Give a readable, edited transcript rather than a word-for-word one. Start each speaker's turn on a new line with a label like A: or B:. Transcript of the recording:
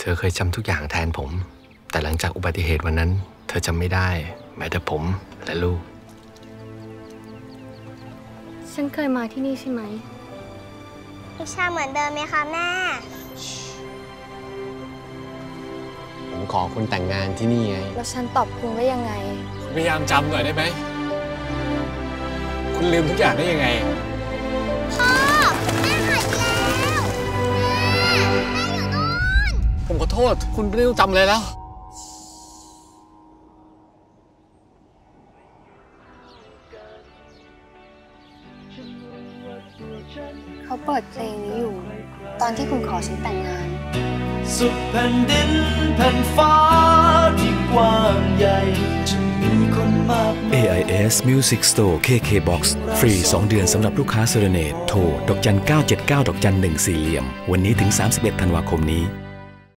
A: อเคยจำทุกอย่างแทนผมแต่หลังจากอุบัติเหตุวันนั้นเธอจำไม่ได้แม้แต่ผมและลูก
B: ฉันเคยมาที่นี่ใช่ไหม
C: วิชาเหมือนเดิมไหมคะแม่
A: ผมขอคุณแต่งงานที่นี่ไง
B: แล้วฉันตอบคุณว่ายังไง
D: พยายามจำหน่อยได้ไหมคุณลืมทุกอย่างได้ยังไง
C: พ่อแม่หายไปแล้วแม่อยู่นู่น
D: ผมขอโทษคุณไม่ต้องจำเลยแล้ว
B: เขาเปิดเพลงนี้อยู่ตอนที่คุณขอฉันแต่งงาน
E: สุดแผ่นดินแผ่นฟ้าที่กว้างใหญ่จะมีคนมากมาย
F: AIS Music Store KK Box ฟรี 2 เดือนสำหรับลูกค้าเซเลเนตโทรดอกจัน979ดอกจัน14 วันนี้ถึง31 ธันวาคมนี้